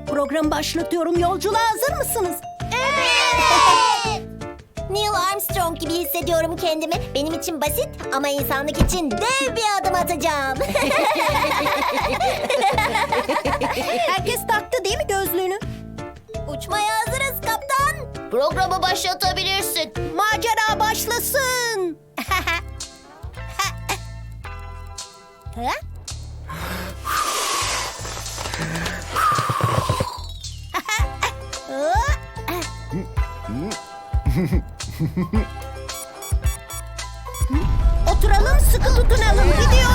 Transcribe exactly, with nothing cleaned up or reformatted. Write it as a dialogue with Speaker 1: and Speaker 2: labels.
Speaker 1: Programı başlatıyorum. Yolculuğa hazır mısınız?
Speaker 2: Evet. Neil Armstrong gibi hissediyorum kendimi. Benim için basit ama insanlık için dev bir adım atacağım.
Speaker 1: Herkes taktı değil mi gözlüğünü?
Speaker 2: Uçmaya hazırız kaptan. Programı başlatabilirsin.
Speaker 1: Macera başlasın.
Speaker 2: Ha?
Speaker 1: Oturalım, sıkı tutunalım. Gidiyor.